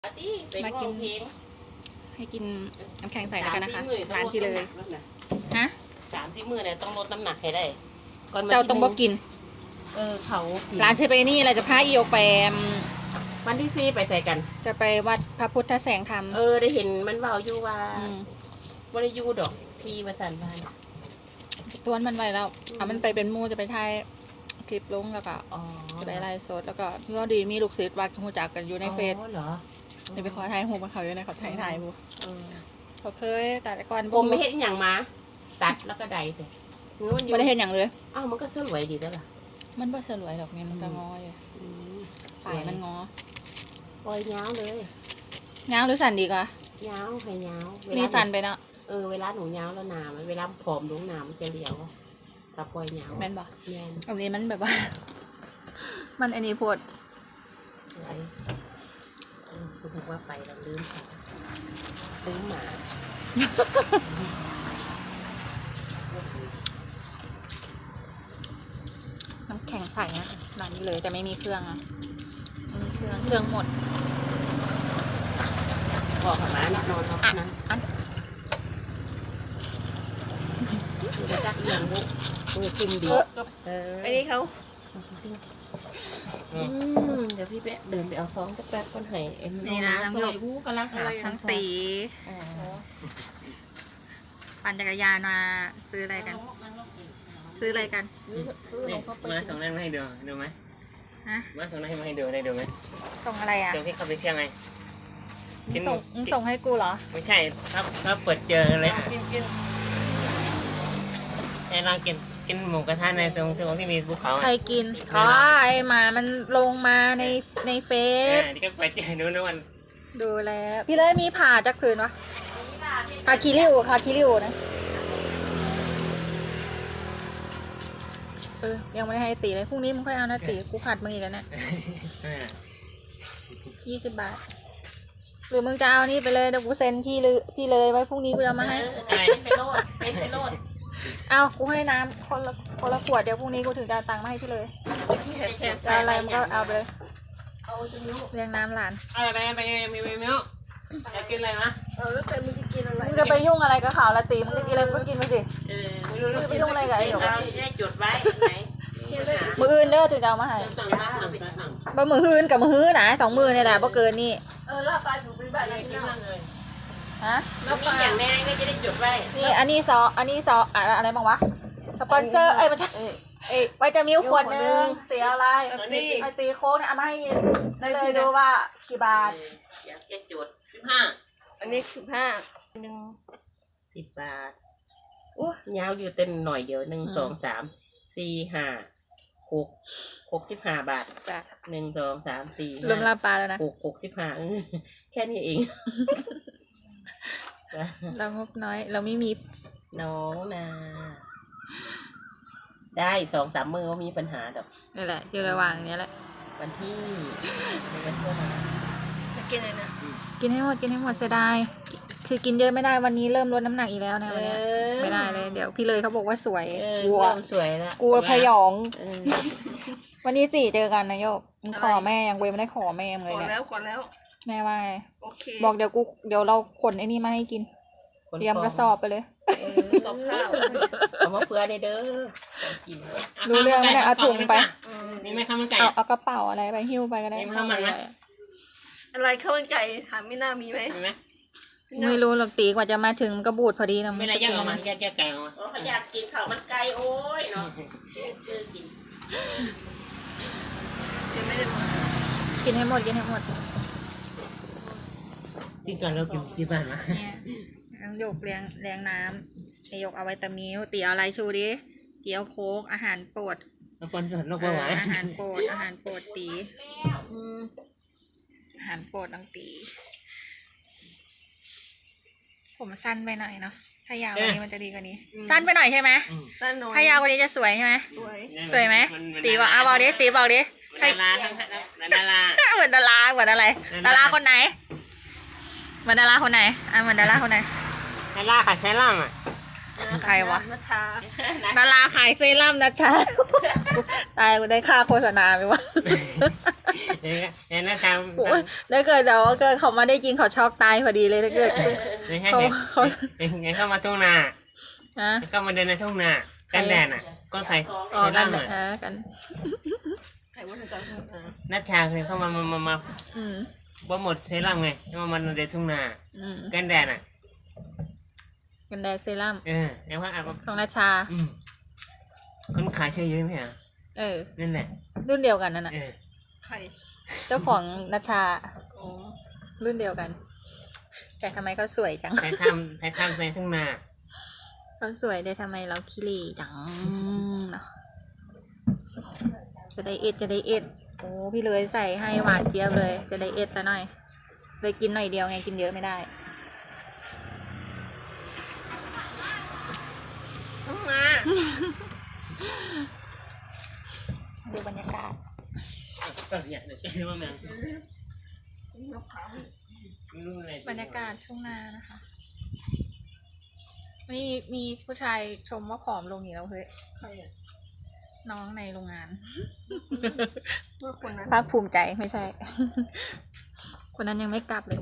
มากินให้กินน้ำแข็งใส่แล้วกันนะคะร้านที่เลยฮะ 3 ที่มือเนี่ยต้องลดน้ำหนักให้ได้เจ้าต้องบอกกินเขาร้านซื้อไปนี่เราจะพาอีโอไปวันที่4ไปใส่กันจะไปวัดพระพุทธแสงธรรมได้เห็นมันเบาอยู่ว่าบริยูดอกพี่มาสั่นบ้านตัวนมันไว้แล้วมันไปเป็นมูจะไปถ่ายคลิปลงแล้วก็จะไปไลฟ์สดแล้วก็พี่ว่าดีมีลูกศิษย์วัดหูจักกันอยู่ในเฟซเหรอจะไปขอถ่ายหูมาเขาอยู่ในเขาถ่ายบูเขาเคยแต่ก่อนผมไม่เห็นอย่างมาตัดแล้วก็ใดแต่ไม่ได้เห็นอย่างเลยมันก็สวยดีแล้วล่ะมันบ่สวยหรอกเนี่ยมันก็งออยู่ฝ่ายมันงอปล่อยเงาเลยเงาหรือสั่นดีกว่าเงาใครเงานี่สั่นไปเนาะเวลาหนูเงาแล้วหนาเวลาผอมลงหนามันจะเหลียวตาปล่อยเงาแม่นบ่แม่นอันนี้มันแบบว่ามันอันนี้ปวดอะไรคุณบอกว่าไปเราลืมหมาน้ำแข็งใส่นะร้านนี้เลยแต่ไม่มีเครื่องอ่ะไม่มีเครื่องหมดบอกกับหมาเนี่ยนอนเขานั้นจะจักเลี้ยงบุกกินดีอันนี้เขาเดี๋ยวพี่แป๊ะเดินไปเอาซองแป๊บก้อนไห่นี่นะซอยวูกำลังหาทั้งตีปั่นจักรยานมาซื้ออะไรกันมาส่งนั่นมาให้ดูไหมมาส่งนั่นมาให้ดูได้ดูไหมส่งอะไรอ่ะส่งที่เขาไปเที่ยวไงส่งให้กูเหรอไม่ใช่ครับเปิดเจอเลยลองกินหมูกระทะในตรงที่มีภูเขาใครกินไอหมามันลงมาในเฟซนี่ก็ไปเจอดูวันดูแล้วพี่เลยมีผ่าจากผืนวะคาคิริวนะยังไม่ได้ให้ตีเลยพรุ่งนี้มึงค่อยเอานะตีกูขาดมึงอีกแล้วเนี่ย20 บาทหรือมึงจะเอานี่ไปเลยเดี๋ยวกูเซ็นพี่เลยไว้พรุ่งนี้กูจะมาให้ไปโลดเอากูให้น้ำคนละขวดเดี๋ยวพรุ่งนี้กูถึงจะตังค์มาให้พี่เลยจะอะไรมึงก็เอาไปเลยเรียงน้ำหลานไปมีจะกินอะไรนะแล้วแต่มึงจะกินอะไรมึงจะไปยุ่งอะไรกับข่าวละตีมึงจะกินอะไรก็กินไปสิมึงจะไปยุ่งอะไรกับไอ้หนูได้จดไว้ไหนมืออื่นเด้อถึงจะเอามาให้บ่มืออื่นกับมือฮื้อนะ2 มือเนี่ยแหละบ่เกินนี่ลาปลาถูกเป็นแบบอะไรกินเลยฮะแล้วมีอย่างแน่ก็จะได้จดไว้นี่อันนี้ซออะไรบ้างวะสปอนเซอร์ไม่ใช่ไวตามิลขวดนึงเสียอะไรไอตีโค้งเนี่ยเอามาให้ได้เลยดูว่ากี่บาทอยากจะจด15 อันนี้15นึง 10 บาทโอ้ยาวอยู่เต็มหน่อยเดียว1 2 3 4 5 6 15 บาทจ้ะ 1 2 3 4 รวมลาปลาแล้วนะ 65แค่นี้เองเรางบน้อยเราไม่มีน้องนาได้2-3 มือก็มีปัญหาดอกนี่แหละอยู่ระหว่างนี้แหละวันที่จะกินอะไรนะกินให้หมดเสียดายคือกินเยอะไม่ได้วันนี้เริ่มลดน้ำหนักอีกแล้วนะวันนี้ไม่ได้เลยเดี๋ยวพี่เลยเขาบอกว่าสวยกลัวสวยแล้วกลัวพยองวันนี้4เจอกันนะโยกขอแม่ยังไม่ได้ขอแม่เลยเนี่ยขอแล้วแม่ว่าบอกเดี๋ยวเราขนไอ้นี่มาให้กินเตรียมกระสอบไปเลยสอบข้าวเอามาเพื่อเด้อรู้เรื่องไม่ได้เอาถุงไปนี่ไม่ข้าวมันไก่เอากระเป๋าอะไรไปหิ้วไปก็ได้ข้าวมันไหมอะไรข้าวมันไก่ถามไม่น่ามีไหมไม่รู้หรอกตีกว่าจะมาถึงก็บูดพอดีนะไม่ได้ย่างออกมาแยกไก่ออกมาเขาอยากกินข้าวมันไก่โอ้ยเนาะกินให้หมดกินก่อนเรากินที่บ้านนะหยกเลี้ยงน้ำหยกเอาไวตามิลตีเอาอะไรชูดิเกี๊ยวโค้กอาหารโปรดอาหารโปรดตีอาหารโปรดน้องตีผมสั้นไปหน่อยเนาะถ้ายาวกว่านี้มันจะดีกว่านี้สั้นไปหน่อยใช่ไหมสั้นหน่อยถ้ายาวกว่านี้จะสวยใช่ไหมสวยไหมตีบอกบอกดิตีบอกดิดาราเหมือนดาราเหมือนอะไรดาราคนไหนเหมือนดาราคนไหนเหมือนดาราคนไหนดาราค่ะใช้ล่างอ่ะใครวะนัชชาดาราขายเซรั่มนะจ๊ะตายกูได้ค่าโฆษณาไหมวะเห็นหน้าตาโอ้ยถ้าเกิดเดี๋ยวเกิดเขามาได้จริงเขาช็อกตายพอดีเลยถ้าเกิดไม่ใช่เขาเห็นเข้ามาทุ่งนาฮะเข้ามาเดินในทุ่งนากันแดดอ่ะก็ใครอ๋อเซกัรั่นมอ่ะกันใครว่าจะจับนัชชาเคยเข้ามาอืมว่าหมดเซรั่มไงมาเดินทุ่งนาอืมกันแดดอ่ะกันแดดเซรั่มแล้วว่าของนาชาคนขายเชื่อเยอะไหมอ่ะเออนั่นแหละรุ่นเดียวกันนั่นน่ะใครเจ้าของนาชาโอ้รุ่นเดียวกัน แต่ทำไมเขาสวยจังใครทำในทุ่งนาเขาสวยได้ทำไมเราขี้เหร่จังเนาะจะได้เอ็ดจะได้เอ็ดโอ้พี่เลยใส่ให้หวานเจี๊ยบเลย จะได้เอ็ดซะหน่อยเลยกินหน่อยเดียวไงกินเยอะไม่ได้ต้องมาดูบรรยากาศก็อย่างหนึ่งว่าแมงนกเขาไม่รู้อะไรบรรยากาศช่วงนานะคะวันนี้มีผู้ชายชมว่าผอมลงอีกแล้วเฮ้ยใครอ่ะน้องในโรงงานเมื่อคนนั้นภาคภูมิใจไม่ใช่ คนนั้นยังไม่กลับเลย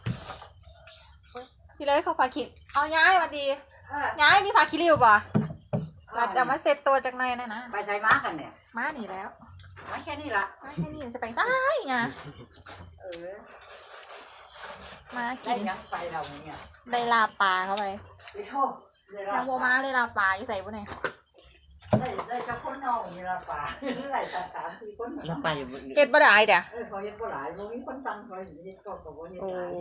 พี่เลยเขาพาคิดเอาย้ายมาดี ย้ายมีพาคิริวป่ะเราจะมาเซตตัวจากในนะนะไปใช้ม้ากันเนี่ยมาหนีแล้วม้าแค่นี้ละมาแค่นี้มันจะไปซ้ายไงเออมาได้กินยังไปเราเนี่ยได้ลาปลาเข้าไปไปโทษได้นางโบมาเลยลาปลาอยู่ใส่บุ้นไหนได้เจ้าคนนอกมีละป่าหลายสามสี่คนแล้วไปอยู่เก็ดบ่ได้เดี๋ยวเขายังก็หลายมีคนสั่งเขาอยู่ที่ก็กับว่าเนี่ยโอ้หลาย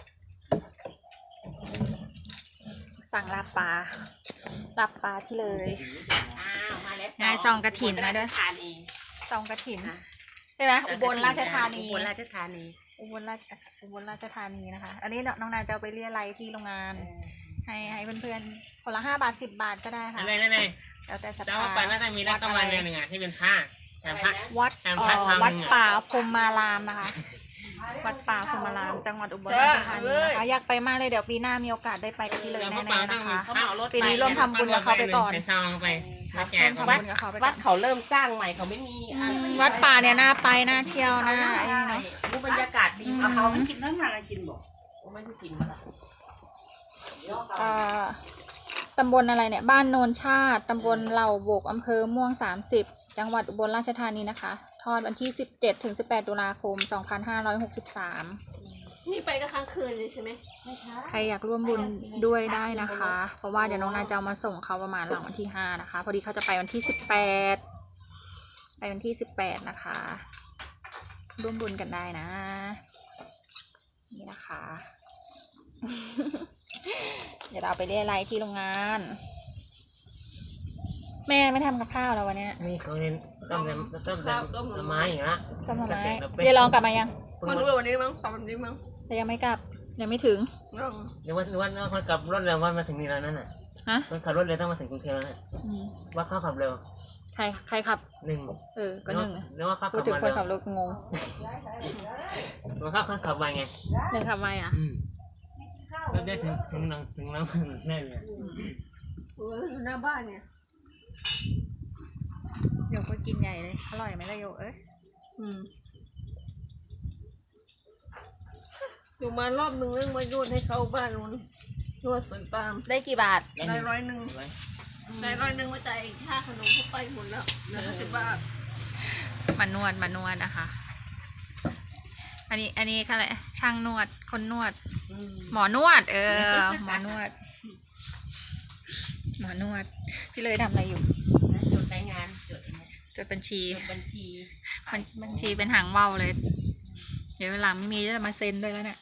สั่งลาปลาลาปลาที่เลยมาแล้วนายซองกระถิ่นมาด้วยทานเองซองกระถินใช่ไหมอุบลราชธานีอุบลราชธานีอุบลราชธานีนะคะ อันนี้น้องนายจะเอาไปเรียอะไรยที่โรงงาน ให้เพื่อนๆคนละ5 บาท 10 บาทก็ได้ค่ะอะไรนั่นไงแล้วแต่ศรัทแล้วธาไปน่าจะมีรักกำลังหนึ่งอ่ะที่เป็นผ้าแถมผ้าวัดแอมพัดทางหนึ่งอะวัดป่าพรหมารามนะคะ วัดป่าพรหมารามจังหวัดอุบลราชธานีนะคะอยากไปมากเลยเดี๋ยวปีหน้ามีโอกาสได้ไปกับพี่เลยแน่ๆนะคะ ปีนี้ร่วมทำบุญกับเขาไปก่อนไปซองไปมาแจร่วกมทำบุญกับเขาไปก่วัอดนเขาเริ่มสร้างใหม่เขาไม่มีวัดป่าเนี่ยน่าไปน่าเที่ยวน่าไอ้นี่เนาะดูบรรยากาศดีเอาเขาไม่กินนั่งอะไรกินบอกไม่ได้กินตำบลอะไรเนี่ยบ้านโนนชาติตำบลเหล่าโบกอำเภอม่วง30จังหวัดอุบลราชธานีนะคะทอดวันที่17 ถึง 18 ตุลาคม 2563 นี่ไปก็ค้างคืนเลยใช่ไหมใครอยากร่วมบุญด้วยได้นะคะ เพราะว่าเดี๋ยวน้องนายจะเอามาส่งเขาประมาณหลังวันที่5นะคะ พอดีเขาจะไปวันที่18ไปวันที่18นะคะ ร่วมบุญกันได้นะ นี่นะคะ เดี๋ยวเราไปเรียอะไรยที่โรงงาน แม่ไม่ทำกับข้าวแล้ววันเนี้ยนี่เขาเน้นต้มไม้อย่างละต้มหน่อไม้เดี๋ยวลองกลับมายังมันรู้วันนี้มั้งตอนวันนี้มั้งแต่ยังไม่กลับยังไม่ถึงลองหรือว่าเขาขับรถเร็วว่ามาถึงนี่แล้วนั่นน่ะฮะมันขับรถเร็วต้องมาถึงกรุงเทพแล้วว่าเขาขับเร็วใครขับ 1 ก็หนึ่งแล้วว่าเขาพูขัดบถึงมาคนเร็วขับรถงงมันเขาขับมาไงหนึ่งขับไวอ่ะก็ได้ถึงน้ำแน่เลยอยู่หน้าบ้านเนี่ยโยกก็กินใหญ่เลยอร่อยไหมล่ะโยกเอ้ยอยู่มารอบนึงเรื่องมาโยนให้เขาบ้านนู้นโยนสวนปาล์มได้กี่บาทได้100ได้100มาจ่ายค่าขนมเข้าไปหมดแล้วเหลือ50 บาทมานวดนะคะ อันนี้ค่ะอะไรช่างนวดคนนวด หมอนวด หมอนวด หมอนวด พี่เลยทำอะไรอยู่จดใช้งานจดจดบัญชีบัญชีบัญชีเป็นหางว่าวเลย เดี๋ยวเวลาไม่มีจะมาเซ็นด้วยแล้วเนี่ย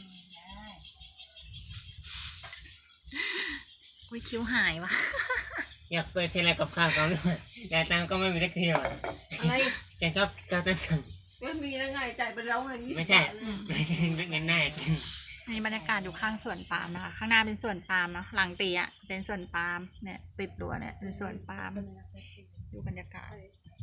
อุ้ยคิ้วหายวะอยากไปเทเลกับข้าวเขาด้วยแต่ตังก็ไม่มีสักทีอ่ะอะไรแต่ก็ตั้งสั่งไม่มีแล้วไงจ่ายไปแล้วไงไม่ใช่เงินแน่จริงอันนี้บรรยากาศอยู่ข้างสวนปาล์มนะคะ ข้างหน้าเป็นสวนปาล์มเนาะหลังตีอ่ะเป็นสวนปาล์มเนี่ยติดรั้วเนี่ยเป็นสวนปาล์มดูบรรยากาศ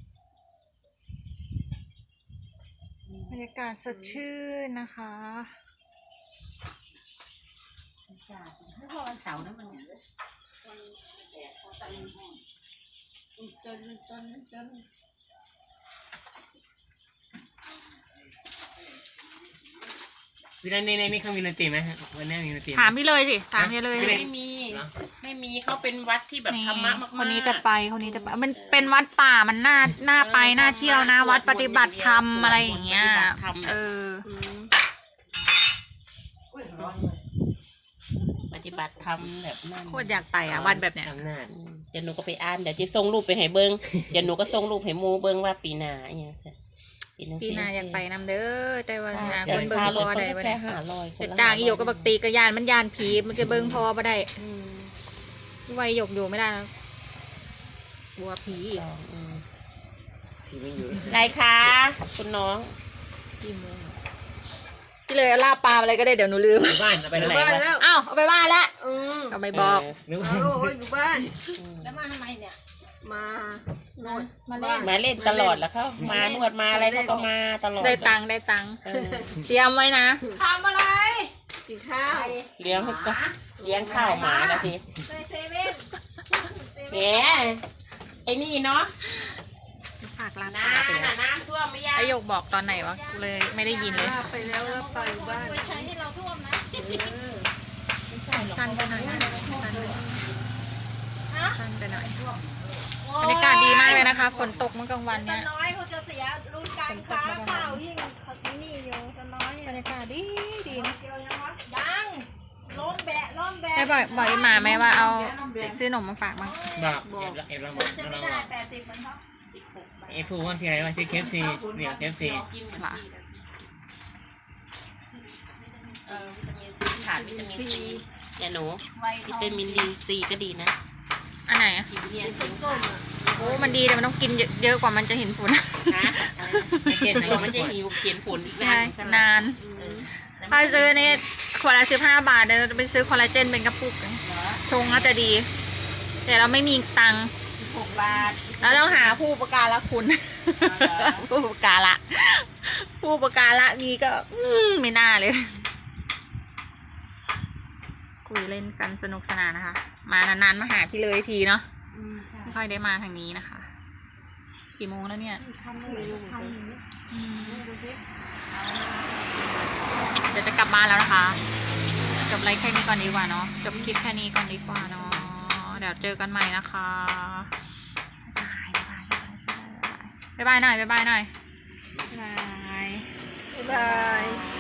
บรรยากาศสดชื่นนะคะพอวันเสาร์นั้นมันจนพี่นันนี่เขามีดนตรีไหมวันนี้มีดนตรีไหถามพี่เลยสิถามพี่เลยสิไม่มี ไม่มีเขาเป็นวัดที่แบบธรรมะมากๆคนนี้จะไปมันเป็นวัดป่ามันน่าไปน่าเที่ยวนะวัดปฏิบัติธรรมอะไรอย่างเงี้ยเออปฏิบัติธรรมแบบนั้นโคตรอยากไปอ่ะวัดแบบเนี้ยอำนาจเดี๋ยวหนูก็ไปอ่านเดี๋ยวจะส่งรูปไปให้เบิ้งเดี๋ยวหนูก็ส่งรูปให้หมูเบิ้งว่าปีหน้าอย่างเงี้ยพี่นาอยากไปนำเด้อแต่ว่าหาเดี๋คยวนเบิ่งค่าพรอถได้ก็บ่แค่ได้ 500 จะจ้างอีหยกกับบักตีกระยานมันยานผีมันจะเบิ่งพอบ่ได้ไว้หยกอยู่ไม่ได้นะกลัวผีอีกพี่ไม่อยู่ไรคะคุณน้องพี่เลยเอาลาบปลาอะไรก็ได้เดี๋ยวหนูลืมอยู่บ้านเอาไปอยู่ไหนบ้านวะแล้วอ้าวเอาไปบ้านละมก็ไม่บอกนึกว่าโอ้ยอยู่บ้านแล้วมาทำไมเนี่ยมาโนดมาเล่นมาเล่นตลอดแล้วเขามานวดมาอะไรเขาก็มาตลอดได้ตังค์เตรียมไว้นะทำอะไรกินข้าวเลี้ยงก็เลี้ยงข้าวหมาแล้วสิในเซเว่นแหมไอ้นี่เนาะฝากร้านน้ปลาไปแล้วำน้ำท่วมไม่ยากไอหยกบอกตอนไหนวะกูเลยไม่ได้ยินเลยไปแล้วไปอยู่บ้านไปใช้ที่เราท่วมนะสั้นไปหน่อยนะสั้นไปหน่อยบรรยากาศดีมากเลยนะคะ ฝนตกเมื่อกลางวันตาเนี่ยน้อยเขาจะเสียรุ่นการค้าข้าวยิ่งเขานี่อยู่ตาน้อยบรรยากาศดีนะเกี่ยวยังวะยังล้มแบะล้มแบะไอ้บอกอีหมาไหมว่าเอาซื้อขนมมาฝากมั้งบอกเอ็มเราบอกจะเราไม่บได้อก 80เหมือนเขาเอ็มพูดว่าที่ไหนว่าที่เคฟซีเนี่ยเคฟซีขาดวิตามินซีอย่าหนูไววิทองตามินดีซีก็ดีนะอันไหนอะกินเนี่ยส้มอ่ะโอ้มันดีแต่มันต้องกินเยอะกว่ามันจะเห็นผลนะอะไรมันจะหิวเขียนผลอีกใช่นานนานถ้าซื้อนี่ขวดละ15 บาทเดี๋ยวเราจะไปซื้อคอลลาเจนเป็นกระปุกชงก็จะดี แต่เราไม่มีตังค์ 6 บาทเราต้องหาผู้อุประการละคุณ ผู้อุประการละผู้อุประการละนี้ก็ไม่น่าเลย คุยเล่นกันสนุกสนานนะคะ มานานๆมาหาพี่เลยทีเนาะไม่ค่อยได้มาทางนี้นะคะ กี่โมงแล้วเนี่ยเดี๋ยวจะกลับบ้านแล้วนะคะจบไลฟ์แค่นี้ก่อนดีกว่าเนาะจบคลิปแค่นี้ก่อนดีกว่าเนาะเดี๋ยวเจอกันใหม่นะคะบ๊ายบายหน่อยบ๊ายบายหน่อยบ๊ายบายบ๊ายบาย